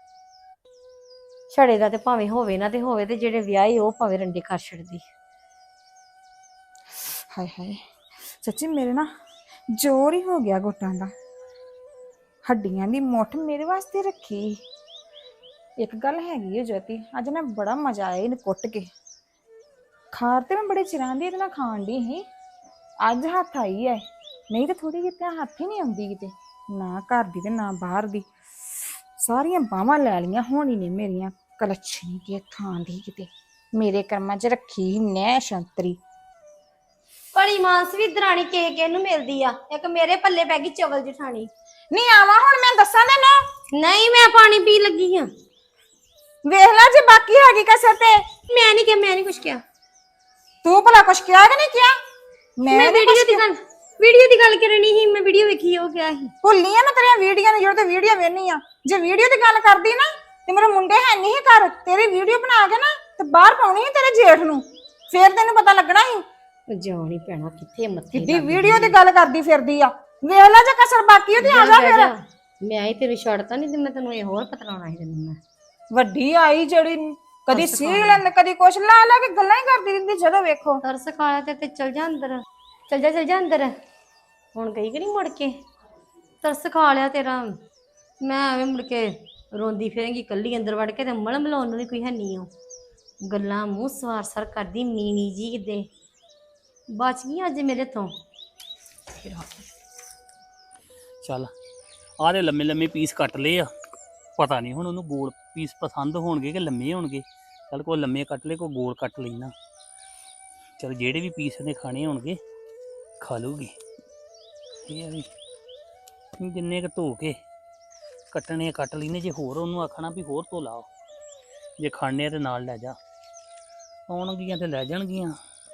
Speaker 3: ਛੜੇ ਦਾ ਤੇ ਭਾਵੇਂ ਹੋਵੇ ਨਾ ਤੇ ਹੋਵੇ, ਤੇ ਜਿਹੜੇ ਵਿਆਹੇ ਉਹ ਭਾਵੇਂ ਰੰਡੇ ਕਰ ਛੱਡਦੀ।
Speaker 2: ਹਾਏ ਹਾਏ ਸੱਚੀ ਮੇਰੇ ਨਾ ਜ਼ੋਰ ਹੀ ਹੋ ਗਿਆ ਗੋਟਾਂ ਦਾ। ਹੱਡੀਆਂ ਦੀ ਮੁੱਠ ਮੇਰੇ ਵਾਸਤੇ ਰੱਖੀ। ਇੱਕ ਗੱਲ ਹੈਗੀ ਹੈ ਜੋਤੀ, ਅੱਜ ਨਾ ਬੜਾ ਮਜ਼ਾ ਆਇਆ ਇਹਨੂੰ ਕੁੱਟ ਕੇ। ਖਾਰ ਤੇ ਮੈਂ ਬੜੇ ਚਿਰਾਂ ਦੀ ਇਹਦੇ ਨਾਲ ਖਾਣ ਦੀ ਸੀ, ਅੱਜ ਹੱਥ ਆਈ ਹੈ। ਨਹੀਂ ਤਾਂ ਥੋੜੀ ਕਿਤੇ ਹੱਥ ਹੀ ਨਹੀਂ ਆਉਂਦੀ ਕਿਤੇ, ਨਾ ਘਰ ਦੀ ਤੇ ਨਾ ਬਾਹਰ ਦੀ। ਸਾਰੀਆਂ ਬਾਹਾਂ ਲੈ ਲਈਆਂ ਹੋਣੀ ਨੇ ਮੇਰੀਆਂ, ਕਲੱਛਣੀ ਦੀ ਥਾਂ ਦੀ ਕਿਤੇ ਮੇਰੇ ਕਰਮਾਂ 'ਚ ਰੱਖੀ ਨੈ ਸ਼ੰਤਰੀ।
Speaker 3: ਬੜੀ ਮਾਂਸ ਵੀ ਦਰਾਣੀ ਕੇ ਕੇ ਨੂੰ ਮਿਲਦੀ ਆ, ਇੱਕ ਮੇਰੇ ਪੱਲੇ ਪੈ ਗਈ ਚਵਲ ਜਠਾਣੀ।
Speaker 2: ਨਹੀਂ ਆਵਾਂ ਹੁਣ ਮੈਂ ਦੱਸਾਂ ਤੈਨੂੰ।
Speaker 3: ਨਹੀਂ ਮੈਂ ਪਾਣੀ ਪੀ ਲੱਗੀ ਆ।
Speaker 2: ਵੇਖ ਲੈ ਜੇ ਬਾਕੀ ਹੈਗੀ ਕਸਰ ਤੇ।
Speaker 3: ਮੈਂ ਨਹੀਂ ਕਿਹਾ, ਮੈਂ ਨਹੀਂ ਕੁਝ ਕਿਹਾ।
Speaker 2: ਤੂੰ ਭਲਾ ਕੁਛ ਕਿਹਾ ਕਿ ਨਹੀਂ ਕਿਹਾ?
Speaker 3: ਮੈਂ
Speaker 2: ਨੀ
Speaker 3: ਵੀਡੀਓ
Speaker 2: ਕੁਛ
Speaker 3: ਦੀ ਗੱਲ ਵੀਡੀਓ ਦੀ ਗੱਲ ਕਰਨੀ ਸੀ, ਮੈਂ ਵੀਡੀਓ ਵੇਖੀ ਉਹ ਕਿਹਾ ਸੀ।
Speaker 2: ਭੁੱਲੀ ਆ ਮੈਂ ਤੇਰੀਆਂ ਵੀਡੀਓ ਨੂੰ, ਜਦੋਂ ਤੇ ਵੀਡੀਓ ਵੇਖਨੀ ਆ। ਜੇ ਵੀਡੀਓ ਦੀ ਗੱਲ ਕਰਦੀ ਨਾ ਤੇ ਮੇਰੇ ਮੁੰਡੇ ਹੈ ਨਹੀਂ ਘਰ, ਤੇਰੀ ਵੀਡੀਓ ਬਣਾ ਕੇ ਨਾ ਤੇ ਬਾਹਰ ਪਾਉਣੀ ਸੀ ਤੇਰੇ ਜੇਠ ਨੂੰ, ਫੇਰ ਤੈਨੂੰ ਪਤਾ ਲੱਗਣਾ ਸੀ।
Speaker 3: ਜਾਣ ਹੀ ਪੈਣਾ ਕਿੱਥੇ ਮੱਥੇ
Speaker 2: ਕਿੱਡੀ ਵੀਡੀਓ ਦੀ ਗੱਲ ਕਰਦੀ ਫਿਰਦੀ ਆ। ਵੇਖ ਲੈ ਜੇ ਕਸਰ ਬਾਕੀ ਉਹਦੀ ਆ ਜਾ ਫਿਰ।
Speaker 3: ਮੈਂ ਹੀ ਤੈਨੂੰ ਛੱਡਤਾ ਨਹੀਂ ਤੇ ਮੈਂ ਤੈਨੂੰ ਇਹ ਹੋਰ ਪਤਲਾਉਣਾ ਸੀ ਤੈਨੂੰ। ਮੈਂ
Speaker 2: ਵੱਡੀ ਆਈ ਜਿਹੜੀ ਕਦੀ ਸੀਲ ਕਦੀ ਕੁਛ ਲਾ ਲਾ ਕੇ ਗੱਲਾਂ ਹੀ ਕਰਦੀ ਰਹਿੰਦੀ ਜਦੋਂ ਵੇਖੋ।
Speaker 3: ਤਰਸ ਖਾਇਆ ਤੇ ਤੇ ਚਲ ਜਾ ਅੰਦਰ, ਚਲ ਜਾ ਚਲ ਜਾ ਅੰਦਰ। ਹੁਣ ਗਈ ਕਿ ਨਹੀਂ ਮੁੜ ਕੇ? ਤਰਸ ਖਾ ਲਿਆ ਤੇਰਾ। ਮੈਂ ਐਵੇਂ ਮੁੜ ਕੇ ਰੋਂਦੀ ਫਿਰਾਂਗੀ ਕੱਲੀ ਅੰਦਰ ਵੜ ਕੇ, ਤੇ ਮਲ ਮਲਾਉਣ ਨੂੰ ਵੀ ਕੋਈ ਹੈ ਨਹੀਂ। ਉਹ ਗੱਲਾਂ ਮੂੰਹ ਸਵਾਰ ਸਰ ਕਰਦੀ ਮੀਣੀ ਜੀ ਕਿਤੇ ਬਚ ਗਈ ਅੱਜ ਮੇਰੇ ਤੋਂ।
Speaker 4: ਚੱਲ ਆਹ ਦੇ ਲੰਮੇ ਲੰਮੇ ਪੀਸ ਕੱਟ ਲਏ ਆ, ਪਤਾ ਨਹੀਂ ਹੁਣ ਉਹਨੂੰ ਗੋਲ ਪੀਸ ਪਸੰਦ ਹੋਣਗੇ ਕਿ ਲੰਮੇ ਹੋਣਗੇ। ਚੱਲ ਕੋਈ ਲੰਮੇ ਕੱਟ ਲਏ, ਕੋਈ ਗੋਲ ਕੱਟ ਲੈਣਾ। ਚਲ ਜਿਹੜੇ ਵੀ ਪੀਸ ਨੇ ਖਾਣੇ ਹੋਣਗੇ ਖਾ ਲੂਗੀ। ਇਹ ਆ ਵੀ ਜਿੰਨੇ ਕੁ ਧੋ ਕੇ ਕੱਟਣੇ ਕੱਟ ਲੈਣੇ। ਜੇ ਹੋਰ ਉਹਨੂੰ ਆਖਣਾ ਵੀ ਹੋਰ ਧੋ ਲਾਓ, ਜੇ ਖਾਣੇ ਤੇ ਨਾਲ ਲੈ ਜਾ। ਆਉਣਗੀਆਂ ਤੇ ਲੈ ਜਾਣਗੀਆਂ।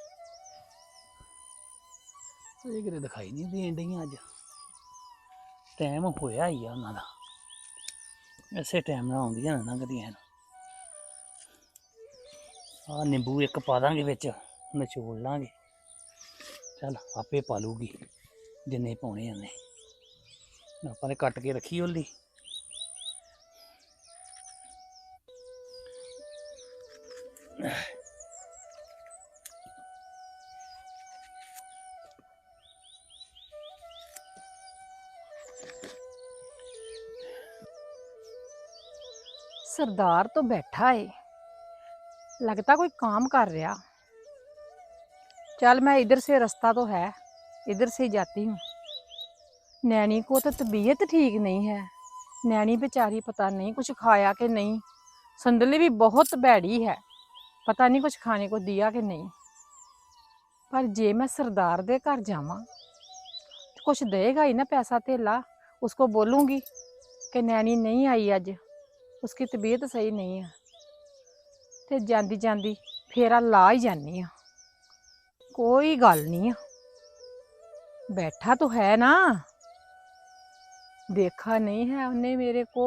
Speaker 4: ਇਹ ਕਿਤੇ ਦਿਖਾਈ ਨਹੀਂ ਦੇਣ ਡਈਆਂ ਅੱਜ। ਟਾਈਮ ਹੋਇਆ ਹੀ ਆ ਉਹਨਾਂ ਦਾ, ਇਸੇ ਟਾਈਮ ਨਾਲ ਆਉਂਦੀਆਂ ਨਾ ਲੰਘਦੀਆਂ। ਆਹ ਨਿੰਬੂ ਇੱਕ ਪਾ ਦਾਂਗੇ ਵਿੱਚ, ਨਿਚੋੜ ਲਾਂਗੇ। ਚੱਲ ਆਪੇ ਪਾ ਲੂਗੀ ਜਿੰਨੇ ਪਾਉਣੇ ਉਹਨੇ। ਆਪਾਂ ਨੇ ਕੱਟ ਕੇ ਰੱਖੀ ਉਹਦੀ।
Speaker 6: सरदार तो बैठा है, लगता कोई काम कर रहा। चल मैं इधर से, रास्ता तो है, इधर से ही जाती हूँ। नैनी को तो तबीयत ठीक नहीं है। नैनी बेचारी पता नहीं कुछ खाया कि नहीं। संदली भी बहुत बैड़ी है, पता नहीं कुछ खाने को दिया कि नहीं। पर जे मैं सरदार दे घर जावां तो कुछ देगा ही ना पैसा धेला। उसको बोलूँगी कि नैनी नहीं आई अज, उसकी तबीयत सही नहीं है, ते जांदी जांदी फेरा ला ही जानी आ। कोई गल नहीं है, बैठा तो है ना, देखा नहीं है उसने मेरे को।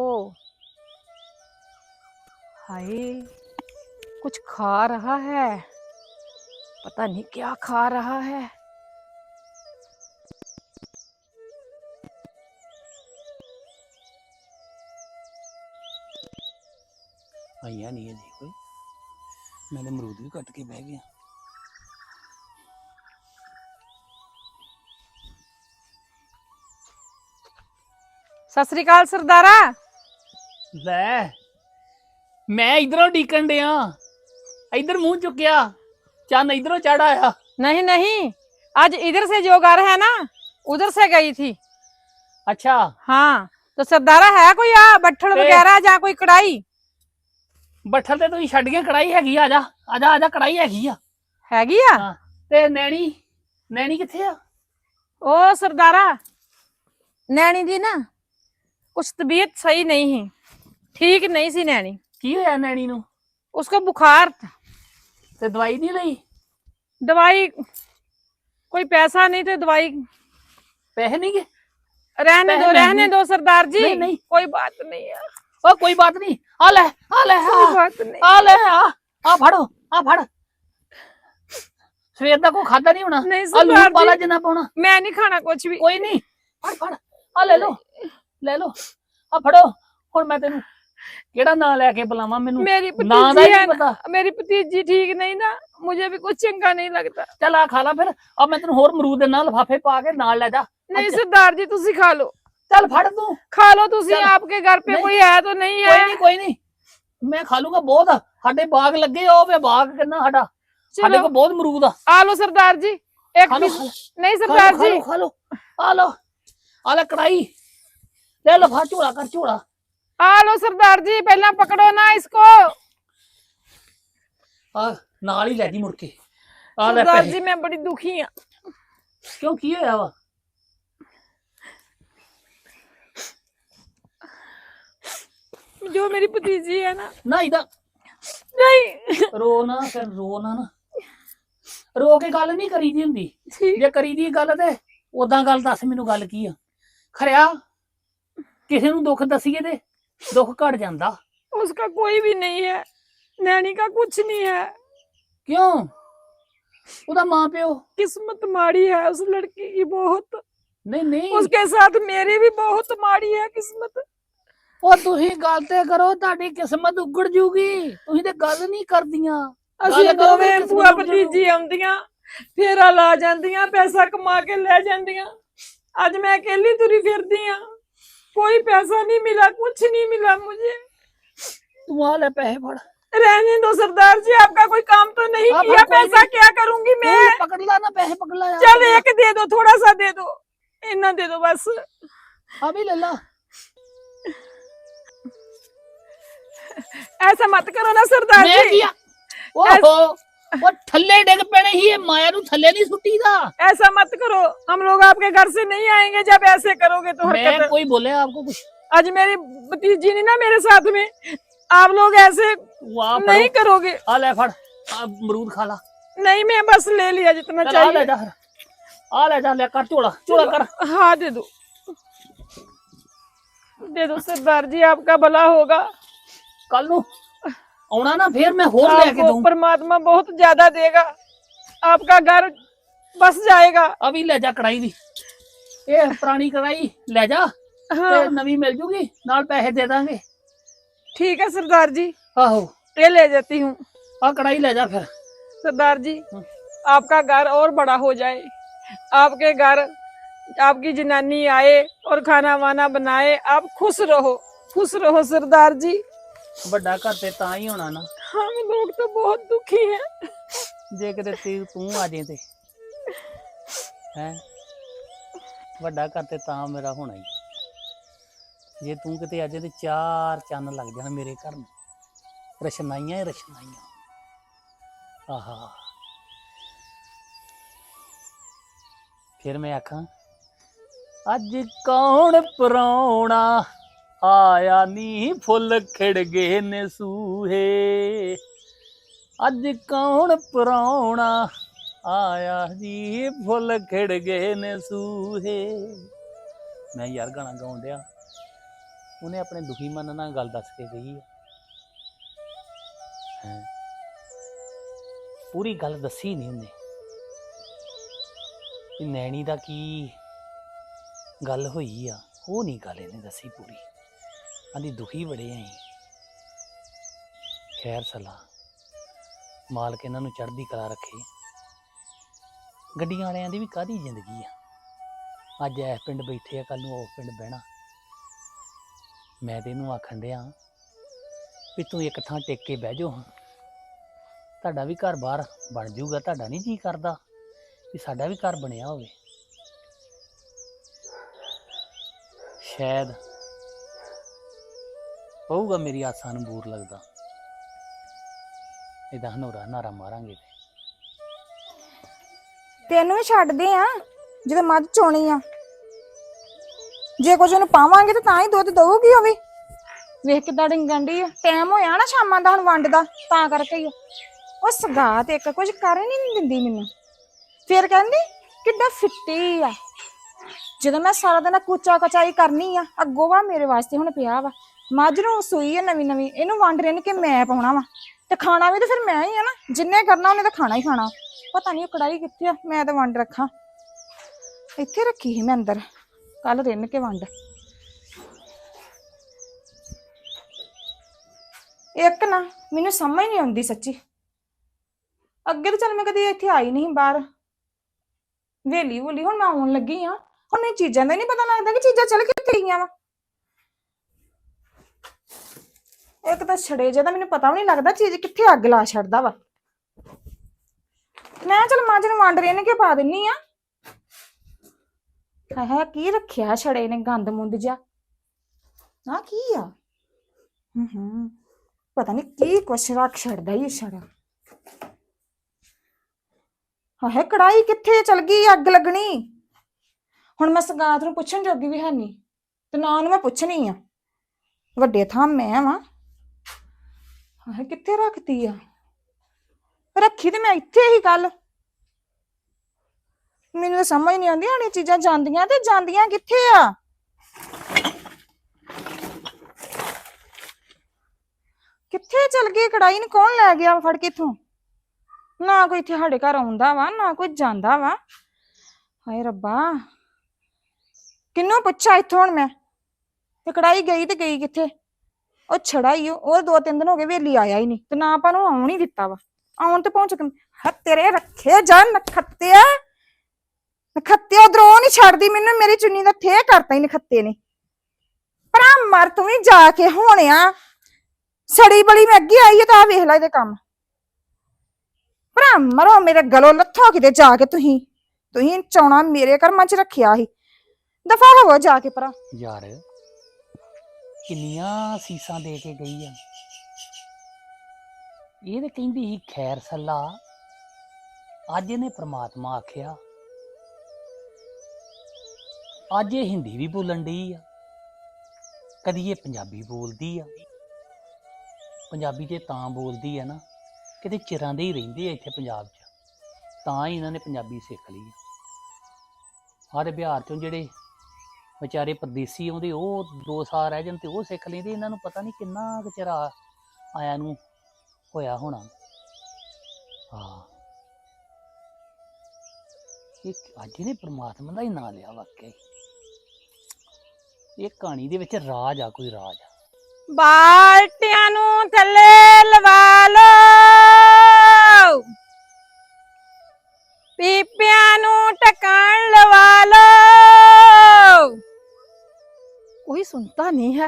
Speaker 6: हाय कुछ खा रहा है, पता नहीं क्या खा रहा है।
Speaker 4: आइया नहीं है जी कोई। मैंने अमरूद भी कट के बह गया।
Speaker 6: सत श्री अकाल सरदारा।
Speaker 4: ਲੈ ਮੈਂ इधरों ਡੀਕਣ ਡਿਆ, इधर मुंह चुकिया, चंद इधरों चढ़ आया।
Speaker 6: नहीं नहीं, आज इधर से जो घर है ना उधर से गई थी।
Speaker 4: अच्छा
Speaker 6: हाँ तो सरदारा है कोई आ बट्ठल
Speaker 4: ते-
Speaker 6: वगैरह या कोई कढ़ाई
Speaker 4: ਬੱਠਲ ਤੇ ਤੁਸੀਂ ਛੱਡ ਗਏ, ਕੜਾਈ ਹੈਗੀ। ਆ ਜਾ ਆ ਜਾ ਆ ਜਾ, ਕੜਾਈ ਹੈਗੀ ਆ।
Speaker 6: हैगी आ?
Speaker 4: ਹਾਂ ਤੇ ਨੈਣੀ ਨੈਣੀ ਕਿੱਥੇ ਆ?
Speaker 6: ओ सरदारा, नैनी दी ना कुछ तबीयत सही नहीं है, ठीक नहीं सी नैनी।
Speaker 4: ਕੀ ਹੋਇਆ ਨੈਣੀ ਨੂੰ?
Speaker 6: उसको बुखार था।
Speaker 4: ਤੇ ਦਵਾਈ ਨਹੀਂ ਲਈ?
Speaker 6: दवाई कोई पैसा नहीं तो दवाई
Speaker 4: ਪੈਸੇ ਨਹੀਂ ਗਏ?
Speaker 6: रहने दो
Speaker 4: पैसे
Speaker 6: रहने
Speaker 4: नहीं।
Speaker 6: दो सरदार जी,
Speaker 4: नहीं, नहीं।
Speaker 6: कोई बात नहीं है,
Speaker 4: ਉਹ ਕੋਈ ਬਾਤ ਨਹੀਂ। ਆ ਲੈ ਆ ਲੈ
Speaker 6: कोई
Speaker 4: ਆ
Speaker 6: बात नहीं।
Speaker 4: ਆ ਲੈ ਆ ਆ ਫੜੋ ਆ ਫੜ। ਸਵੇਰ ਦਾ ਕੋਈ ਖਾਦਾ ਨਹੀਂ ਹੋਣਾ।
Speaker 6: नहीं
Speaker 4: ਆ ਲੂਣ
Speaker 6: सरदार
Speaker 4: ਪਾ ਲੈ
Speaker 6: जी,
Speaker 4: ਜਿੰਨਾ ਪਾਉਣਾ।
Speaker 6: मैं नहीं खाना कुछ भी।
Speaker 4: ਕੋਈ ਨਹੀਂ, ਫੜ ਫੜ ਆ ਲੈ ਲੋ ਲੈ ਲੋ ਆ ਫੜੋ। ਹੁਣ ਮੈਂ ਤੈਨੂੰ ਕਿਹੜਾ ਨਾਂ ਲੈ ਕੇ ਬੁਲਾਵਾਂ? ਮੈਨੂੰ
Speaker 6: मेरी
Speaker 4: ਨਾਂ ਦਾ
Speaker 6: भतीजी
Speaker 4: ਹੀ
Speaker 6: है
Speaker 4: ਨਹੀਂ
Speaker 6: ना,
Speaker 4: ਪਤਾ।
Speaker 6: मेरी भतीजी ठीक नहीं ना, मुझे भी कुछ चंगा नहीं लगता।
Speaker 4: ਚੱਲ ਆ ਖਾ ਲਾ ਫਿਰ। ਆ ਮੈਂ ਤੈਨੂੰ ਹੋਰ ਅਮਰੂਦ ਦੇ ਨਾਲ ਲਿਫਾਫੇ ਪਾ ਕੇ ਨਾਲ ਲੈ ਜਾ।
Speaker 6: नहीं सरदार जी तुसी खा लो,
Speaker 4: ਚੱਲ ਫੜ ਤੂੰ।
Speaker 6: खा लो तुसी,
Speaker 4: चल।
Speaker 6: आपके घर पे
Speaker 4: नहीं।
Speaker 6: कोई है तो नहीं
Speaker 4: ਕੋਈ
Speaker 6: है?
Speaker 4: ਨਹੀਂ ਕੋਈ ਨਹੀਂ, ਮੈਂ ਖਾ ਲੂੰਗਾ। ਬਹੁਤ ਆ ਸਾਡੇ ਬਾਗ ਲੱਗੇ। ਉਹ ਵੇ ਬਾਗ ਕਿੰਨਾ ਸਾਡਾ, ਸਾਡੇ
Speaker 6: चलो
Speaker 4: ਕੋਲ ਬਹੁਤ ਅਮਰੂਦ ਆ।
Speaker 6: आ लो सरदार जी एक
Speaker 4: खा लो,
Speaker 6: पीस।
Speaker 4: खा लो,
Speaker 6: नहीं
Speaker 4: खा लो,
Speaker 6: सरदार
Speaker 4: खा
Speaker 6: जी,
Speaker 4: लो, खा लो, आ लो आ ले कढ़ाई ले लो। फा झोला कर झोला।
Speaker 6: आ लो सरदार जी, पहला पकड़ो ना इसको।
Speaker 4: आ नाल ही ले जी मुड़ के। आ ले
Speaker 6: सरदार
Speaker 4: पैसे।
Speaker 6: जी मैं बड़ी दुखी हाँ।
Speaker 4: क्यों की होया वा?
Speaker 6: जो मेरी भतीजी है ना,
Speaker 4: ਨਾ ਇਹਦਾ
Speaker 6: नहीं
Speaker 4: ਰੋ ਨਾ ਫਿਰ ਰੋ ਨਾ ਨਾ ਰੋ ਕੇ ਗੱਲ ਨਹੀਂ ਕਰੀਦੀ ਹੁੰਦੀ ਜੇ ਕਰੀਦੀ ਗੱਲ ਤੇ ਉਦਾਂ ਗੱਲ ਦੱਸ ਮੈਨੂੰ ਗੱਲ ਕੀ ਆ ਖਰਿਆ ਕਿਸੇ ਨੂੰ ਦੁੱਖ ਦਸੀਏ ਤੇ ਦੁੱਖ ਘਟ ਜਾਂਦਾ
Speaker 6: उसका कोई भी नहीं है, नैनी का कुछ नहीं है।
Speaker 4: ਕਿਉਂ ਉਹਦਾ ਮਾਂ ਪਿਓ
Speaker 6: किस्मत माड़ी है उस लड़की की बहुत,
Speaker 4: ਨਹੀਂ ਨਹੀਂ
Speaker 6: उसके साथ मेरी भी बहुत माड़ी है किस्मत।
Speaker 4: ਉਹ ਤੁਸੀਂ ਗੱਲ ਤੇ ਕਰੋ ਤੁਹਾਡੀ ਕਿਸਮਤ ਉਗੜ ਜੂਗੀ ਤੁਸੀਂ ਤੇ ਗੱਲ ਨਹੀਂ ਕਰਦੀਆਂ
Speaker 6: ਅਸੀਂ
Speaker 4: ਗੱਲ ਕਰੋ
Speaker 6: ਦੋਵੇਂ
Speaker 4: ਕਿਸਮਤ
Speaker 6: ਭੂਆ
Speaker 4: ਉਗੜ
Speaker 6: ਭਤੀਜੀ ਆਉਂਦੀਆਂ ਫੇਰਾ ਲਾ ਜਾਂਦੀਆਂ ਪੈਸਾ ਕਮਾ ਕੇ ਲੈ ਜਾਂਦੀਆਂ। ਅੱਜ मैं अकेली तुरी फिरदी हाँ, कोई पैसा नहीं मिला, कुछ नहीं मिला मुझे।
Speaker 4: ਤੂੰ ਆ ਲੈ ਪੈਸੇ ਫੜ
Speaker 6: रहने दो सरदार जी, आपका कोई काम तो नहीं
Speaker 4: हाँ,
Speaker 6: किया,
Speaker 4: पर कोई
Speaker 6: पैसा क्या करूंगी मैं?
Speaker 4: ਤੂੰ ਪਕੜ ਲਾ ਨਾ ਪੈਸੇ ਪਕੜ ਲਾ
Speaker 6: चल एक दे दो, थोड़ा सा दे दो, इतना दे दो बस।
Speaker 4: ਆ ਵੀ ਲੈ ਲਾ
Speaker 6: ऐसा मत करो ना सरदार
Speaker 4: ਮੈਂ
Speaker 6: जी,
Speaker 4: ਕੀ ਆ ਓਹੋ ਉਹ ਥੱਲੇ ਡਿੱਗ ਪੈਣੇ ਹੀ ਇਹ ਮਾਇਆ ਨੂੰ ਥੱਲੇ ਨਹੀਂ ਸੁੱਟੀਦਾ
Speaker 6: ऐसा मत करो। हम लोग आपके घर से नहीं आएंगे जब ऐसे करोगे तो
Speaker 4: मैं
Speaker 6: हरकत।
Speaker 4: कोई बोले आपको कुछ
Speaker 6: आज मेरी भतीजी नहीं ना मेरे साथ में, आप लोग ऐसे
Speaker 4: वाह
Speaker 6: नहीं करोगे।
Speaker 4: आ ले फड़ आ अमरूद खा ला
Speaker 6: नहीं मैं बस ले लिया जितना
Speaker 4: चल आ ले
Speaker 6: चाहिए।
Speaker 4: जा फिर। आ ले जा ले कर चोड़ा चोड़ा कर
Speaker 6: हाँ दे दो, दे दो सरदार जी, आपका भला होगा।
Speaker 4: कल नु आना ना फिर मैं होर लेके
Speaker 6: आपको
Speaker 4: दूं
Speaker 6: परमात्मा बहुत ज्यादा देगा, आपका घर बस जाएगा।
Speaker 4: अभी ले जा कढ़ाई भी ये पुरानी कढ़ाई ले जा
Speaker 6: हाँ
Speaker 4: ते नवी मिल जूगी नाल पैसे दे दांगे
Speaker 6: ठीक है सरदार जी,
Speaker 4: आहो
Speaker 6: ये ले जाती हूँ।
Speaker 4: आ कढ़ाई ले जा फिर
Speaker 6: सरदार जी
Speaker 4: हाँ।
Speaker 6: आपका घर और बड़ा हो जाए, आपके घर आपकी जनानी आए और खाना वाना बनाए, आप खुश रहो, खुश रहो सरदार जी।
Speaker 4: ਵੱਡਾ ਘਰ ਤੇ ਤਾਂ ਹੀ ਹੋਣਾ ਨਾ
Speaker 6: हम लोग तो बहुत दुखी हैं।
Speaker 4: ਜੇ ਕਿਤੇ ਤੂੰ ਤੂੰ ਆ ਜੇ ਤੇ ਹੈ ਵੱਡਾ ਘਰ ਤੇ ਤਾਂ ਮੇਰਾ ਹੋਣਾ ਹੀ ਜੇ ਤੂੰ ਕਿਤੇ ਆ ਜੇ ਤੇ ਚਾਰ ਚੰਨ ਲੱਗ ਜਾਣ ਮੇਰੇ ਘਰ ਨੂੰ ਰਸ਼ਨਾਈਆਂ ਹੀ ਰਸ਼ਨਾਈਆਂ ਆਹਾ ਫਿਰ ਮੈਂ ਆਖਾਂ ਅੱਜ ਕੌਣ ਪਰਾਉਣਾ ਆਇਆ ਨੀ ਫੁੱਲ ਖਿੜ ਗਏ ਨੇ ਸੂਹੇ ਅੱਜ ਕੌਣ ਪਰਾਉਣਾ ਆਇਆ ਜੀ ਫੁੱਲ ਖਿੜ ਗਏ ਨੇ ਸੂਹੇ ਮੈਂ ਯਾਰ ਗਾਣਾ ਗਾਉਣ ਡਿਆ ਉਹਨੇ ਆਪਣੇ ਦੁਖੀ ਮਨ ਨਾਲ ਗੱਲ ਦੱਸ ਕੇ ਗਈ ਹੈ ਪੂਰੀ ਗੱਲ ਦੱਸੀ ਨਹੀਂ ਉਹਨੇ ਕਿ ਨੈਣੀ ਦਾ ਕੀ ਗੱਲ ਹੋਈ ਆ ਉਹ ਨਹੀਂ ਗੱਲ ਇਹਨੇ ਦੱਸੀ ਪੂਰੀ ਆਂਦੀ ਦੁਖੀ ਬੜੇ ਆਂ ਖੈਰ ਸਲਾਹ ਮਾਲਕ ਇਹਨਾਂ ਨੂੰ ਚੜ੍ਹਦੀ ਕਲਾ ਰੱਖੇ ਗੱਡੀਆਂ ਵਾਲਿਆਂ ਦੀ ਵੀ ਕਾਹਦੀ ਜ਼ਿੰਦਗੀ ਆ ਅੱਜ ਇਸ ਪਿੰਡ ਬੈਠੇ ਆ ਕੱਲ ਨੂੰ ਉਸ ਪਿੰਡ ਬਹਿਣਾ ਮੈਂ ਤੇ ਇਹਨੂੰ ਆਖਣ ਡਿਆ ਵੀ ਤੂੰ ਇੱਕ ਥਾਂ ਟਿਕ ਕੇ ਬਹਿ ਜਾਓ ਤੁਹਾਡਾ ਵੀ ਘਰ ਬਾਹਰ ਬਣ ਜਾਊਗਾ ਤੁਹਾਡਾ ਨਹੀਂ ਜੀ ਕਰਦਾ ਕਿ ਸਾਡਾ ਵੀ ਘਰ ਬਣਿਆ ਹੋਵੇ ਸ਼ਾਇਦ ਹੋਊਗਾ ਮੇਰੀ ਆਸਾਂ ਨੂੰ ਬੂਰ ਲੱਗਦਾ ਇਦਾਂ ਹਨੋਰਾ ਨਾਰਾ ਮਾਰਾਂਗੇ
Speaker 2: ਤੈਨੂੰ ਵੀ ਛੱਡਦੇ ਆ ਜਦੋਂ ਮੱਝ ਚੋਣੀ ਆ, ਜੇ ਕੁਝ ਉਹਨੂੰ ਪਾਵਾਂਗੇ ਤਾਂ ਤਾਂ ਹੀ ਦੁੱਧ ਦਊਗੀ ਉਹ ਵੀ। ਵੇਖ ਕਿੱਦਾਂ ਡਿੰਗਣ ਡਈ ਆ, ਟਾਈਮ ਹੋਇਆ ਨਾ ਸ਼ਾਮਾਂ ਦਾ ਹੁਣ ਵੰਡ ਦਾ, ਤਾਂ ਕਰਕੇ ਹੀ ਉਹ ਸਗਾਤ ਇੱਕ ਕੁਝ ਕਰ ਹੀ ਨਹੀਂ ਦਿੰਦੀ ਮੈਨੂੰ। ਫਿਰ ਕਹਿੰਦੀ ਕਿੱਦਾਂ ਫਿੱਟੀ ਆ, ਜਦੋਂ ਮੈਂ ਸਾਰਾ ਦਿਨ ਕੂਚਾ ਕਚਾਈ ਕਰਨੀ ਆ, ਅੱਗੋਂ ਵਾ ਮੇਰੇ ਵਾਸਤੇ ਹੁਣ ਪਿਆ ਵਾ ਮੱਝ ਨੂੰ ਸੂਈ ਆ ਨਵੀਂ ਨਵੀਂ, ਇਹਨੂੰ ਵੰਡ ਰਿੰਨ ਕੇ ਮੈਂ ਪਾਉਣਾ ਵਾ ਤੇ ਖਾਣਾ ਵੀ ਤਾਂ ਫਿਰ ਮੈਂ ਹੀ ਆ ਨਾ, ਜਿੰਨੇ ਕਰਨਾ ਉਹਨੇ ਤਾਂ ਖਾਣਾ ਹੀ ਖਾਣਾ। ਪਤਾ ਨਹੀਂ ਉਹ ਕੜਾਈ ਕਿੱਥੇ ਆ, ਮੈਂ ਤਾਂ ਵੰਡ ਰੱਖਾਂ ਇੱਥੇ ਰੱਖੀ ਸੀ ਮੈਂ ਅੰਦਰ, ਕੱਲ ਰਿੰਨ ਕੇ ਵੰਡ। ਇੱਕ ਨਾ ਮੈਨੂੰ ਸਮਝ ਨਹੀਂ ਆਉਂਦੀ ਸੱਚੀ, ਅੱਗੇ ਤਾਂ ਚੱਲ ਮੈਂ ਕਦੇ ਇੱਥੇ ਆਈ ਨਹੀਂ ਬਾਹਰ ਵੇਲੀ ਵੂਲੀ, ਹੁਣ ਮੈਂ ਆਉਣ ਲੱਗੀ ਆ, ਹੁਣ ਮੈਨੂੰ ਚੀਜ਼ਾਂ ਦਾ ਨਹੀਂ ਪਤਾ ਲੱਗਦਾ ਕਿ ਚੀਜ਼ਾਂ ਚੱਲ ਕਿੱਥੇ ਗਈਆਂ ਵਾ। ਇੱਕ ਤਾਂ ਛੜੇ ਜਿਹਦਾ ਮੈਨੂੰ ਪਤਾ ਵੀ ਨਹੀਂ ਲੱਗਦਾ ਚੀਜ਼ ਕਿੱਥੇ ਅੱਗ ਲਾ ਛੱਡਦਾ ਵਾ। ਮੈਂ ਚਲ ਮੱਝ ਨੂੰ ਵੰਡ ਰਿੰਨ ਕੇ ਪਾ ਦਿੰਨੀ ਆ। ਹਾਏ ਹਾਏ ਕੀ ਰੱਖਿਆ ਛੜੇ ਨੇ ਗੰਦ ਮੁੰਦ ਜਿਹਾ, ਆ ਕੀ ਆ? ਹੂੰ ਹੂੰ ਪਤਾ ਨਹੀਂ ਕੀ ਕੁਛ ਰੱਖ ਛੱਡਦਾ ਇਹ ਛੜਾ। ਹਾਏ ਕੜਾਈ ਕਿੱਥੇ ਚਲ ਗਈ, ਅੱਗ ਲੱਗਣੀ। ਹੁਣ ਮੈਂ ਸਗਾਤ ਨੂੰ ਪੁੱਛਣ ਜੋਗੀ ਵੀ ਹੈ ਨਹੀਂ ਤੇ ਨਾ ਉਹਨੂੰ ਮੈਂ ਪੁੱਛਣੀ ਆ। ਵੱਡੇ ਥਾਂ ਮੈਂ ਵਾਂ। ਹਾਏ ਕਿੱਥੇ ਰੱਖਤੀ ਆ? ਰੱਖੀ ਤੇ ਮੈਂ ਇੱਥੇ ਹੀ ਕੱਲ। ਮੈਨੂੰ ਤਾਂ ਸਮਝ ਨਹੀਂ ਆਉਂਦੀ ਆਣੀ ਚੀਜ਼ਾਂ ਜਾਂਦੀਆਂ ਤੇ ਜਾਂਦੀਆਂ ਕਿੱਥੇ ਆ? ਕਿੱਥੇ ਚਲ ਗਈ ਕੜਾਈ ਨੂੰ? ਕੌਣ ਲੈ ਗਿਆ ਫੜ ਕੇ ਇਥੋਂ? ਨਾ ਕੋਈ ਇੱਥੇ ਸਾਡੇ ਘਰ ਆਉਂਦਾ ਵਾ ਨਾ ਕੋਈ ਜਾਂਦਾ ਵਾ। ਹਾਏ ਰੱਬਾ, ਕਿੰਨੂੰ ਪੁੱਛਾਂ ਇੱਥੋਂ ਹੁਣ ਮੈਂ? ਤੇ ਕੜਾਈ ਗਈ ਤੇ ਗਈ ਕਿੱਥੇ? ਉਹ ਛੜਾ ਹੀ ਉਹ ਉਹ ਦੋ ਤਿੰਨ ਦਿਨ ਹੋ ਗਏ ਵੇਲੀ ਆਇਆ ਹੀ ਨਹੀਂ ਤੇ ਨਾ ਆਪਾਂ ਨੂੰ ਆਉਣ ਹੀ ਦਿੱਤਾ ਵਾ। ਆਉਣ ਤੇ ਪਹੁੰਚ ਕੇ ਹ ਤੇਰੇ ਰੱਖੇ ਜਾ ਨਖੱਤਿਆ, ਨਖੱਤੇ ਉਧਰੋਂ ਨਹੀਂ ਛੱਡਦੀ ਮੈਨੂੰ। ਮੇਰੀ ਚੁੰਨੀ ਦਾ ਥੇ ਕਰਤਾ ਹੀ ਨਖੱਤੇ ਨੇ। ਭਰਾ ਮਰ ਤੂੰ ਵੀ ਜਾ ਕੇ ਹੋਣਿਆ। ਸੜੀ ਬੜੀ ਮੈਂ ਅੱਗੇ ਆਈ ਹੈ ਤਾਂ ਆ ਵੇਖ ਲੈ ਇਹਦੇ ਕੰਮ। ਭਰਾ ਮਰੋ ਮੇਰੇ ਗਲੋਂ ਲੱਥੋ ਕਿਤੇ ਜਾ ਕੇ। ਤੁਸੀਂ ਤੁਸੀਂ ਚਾਉਣਾ ਮੇਰੇ ਕਰਮਾਂ 'ਚ ਰੱਖਿਆ ਸੀ। ਦਫਾ ਹੋਵੋ ਜਾ ਕੇ ਭਰਾ।
Speaker 4: ਯਾਰ ਕਿੰਨੀਆਂ ਸੀਸਾਂ ਦੇ ਕੇ ਗਈ ਆ। ਇਹ ਤੇ ਕਹਿੰਦੀ ਸੀ ਖੈਰ ਸੱਲਾ, ਅੱਜ ਇਹਨੇ ਪ੍ਰਮਾਤਮਾ ਆਖਿਆ। ਅੱਜ ਇਹ ਹਿੰਦੀ ਵੀ ਬੋਲਣ ਡਈ ਆ, ਕਦੀ ਇਹ ਪੰਜਾਬੀ ਬੋਲਦੀ ਆ। ਪੰਜਾਬੀ ਤੇ ਤਾਂ ਬੋਲਦੀ ਆ ਨਾ, ਕਿਤੇ ਚਿਰਾਂ ਦੇ ਹੀ ਰਹਿੰਦੇ ਆ ਇੱਥੇ ਪੰਜਾਬ 'ਚ, ਤਾਂ ਹੀ ਇਹਨਾਂ ਨੇ ਪੰਜਾਬੀ ਸਿੱਖ ਲਈ ਆ। ਆਹ ਬਿਹਾਰ 'ਚੋਂ ਜਿਹੜੇ ਵਿਚਾਰੇ ਪਰਦੇਸੀ ਆਉਂਦੇ ਉਹ ਦੋ ਸਾਲ ਰਹਿ ਜਾਣ ਤੇ ਉਹ ਸਿੱਖ ਲੈਂਦੇ। ਇਹਨਾਂ ਨੂੰ ਪਤਾ ਨਹੀਂ ਕਿੰਨਾ ਕੁ ਚਿਰ ਆਇਆ ਨੂੰ ਹੋਇਆ ਹੋਣਾ। ਹਾਂ, ਇਹ ਅੱਜ ਇਹਨੇ ਪ੍ਰਮਾਤਮਾ ਦਾ ਹੀ ਨਾਂ ਲਿਆ। ਵਾਕਈ ਇਹ ਕਹਾਣੀ ਦੇ ਵਿੱਚ ਰਾਜ ਆ, ਕੋਈ ਰਾਜ ਆ।
Speaker 6: ਬਾਲਟਿਆਂ ਨੂੰ ਥੱਲੇ ਲਵਾ ਲਓ, ਪੀਪਿਆਂ ਨੂੰ ਢੱਕਣ ਲਵਾ ਲਓ। कोई सुनता नहीं है।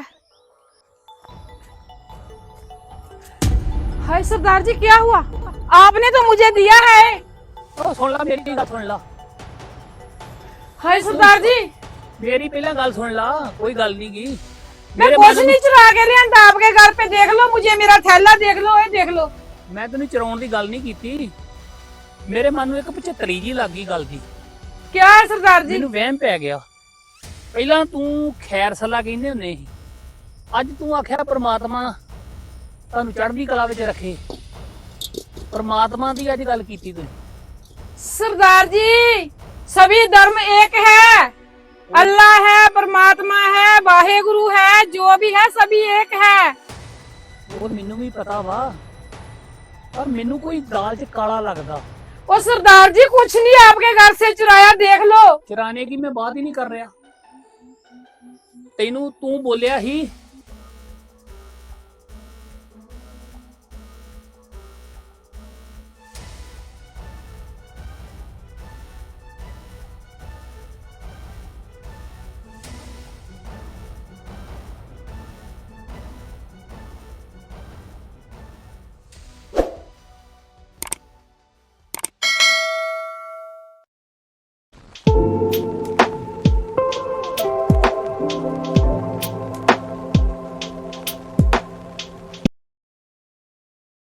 Speaker 6: हाय सरदार जी, क्या हुआ? आपने तो मुझे दिया है।
Speaker 4: ओ सुन ला मेरी गल, सुन ला।
Speaker 6: हाय सरदार जी,
Speaker 4: मेरी पहला गल सुन ला। कोई गल नहीं की,
Speaker 6: मैं कुछ नहीं चुरा के लिया। आपके घर पे देख लो, मुझे मेरा थैला देख लो, ये देख लो।
Speaker 4: मैं तेन चराउण दी गल नहीं कीती। मेरे मन में एक पचहत्तरी जी लग गई गल दी।
Speaker 6: क्या है सरदार जी?
Speaker 4: मैनू वहम पै गया। ਪਹਿਲਾਂ ਤੂੰ ਖੈਰ ਸੱਲਾ ਕਹਿੰਦੇ ਹੁੰਦੇ ਸੀ, ਅੱਜ ਤੂੰ ਆਖਿਆ ਪ੍ਰਮਾਤਮਾ ਤੁਹਾਨੂੰ ਚੜ੍ਹਦੀ ਕਲਾ ਵਿੱਚ ਰੱਖੇ। ਪ੍ਰਮਾਤਮਾ ਦੀ ਅੱਜ ਗੱਲ ਕੀਤੀ ਤੂੰ।
Speaker 6: सरदार जी, सभी धर्म एक है। अल्लाह है, परमात्मा है, वाहे गुरु है, जो भी है सभी एक है।
Speaker 4: ਉਹ ਮੈਨੂੰ ਵੀ ਪਤਾ ਵਾ, ਪਰ ਮੈਨੂੰ ਕੋਈ ਦਾਲ 'ਚ ਕਾਲਾ ਲੱਗਦਾ।
Speaker 6: ओ सरदार जी, कुछ नहीं आपके घर से चुराया, देख लो।
Speaker 4: ਚਰਾਣੇ ਕੀ ਮੈਂ ਬਾਤ ਹੀ ਨਹੀਂ ਕਰ ਰਿਹਾ। ਤੈਨੂੰ ਤੂੰ ਬੋਲਿਆ ਸੀ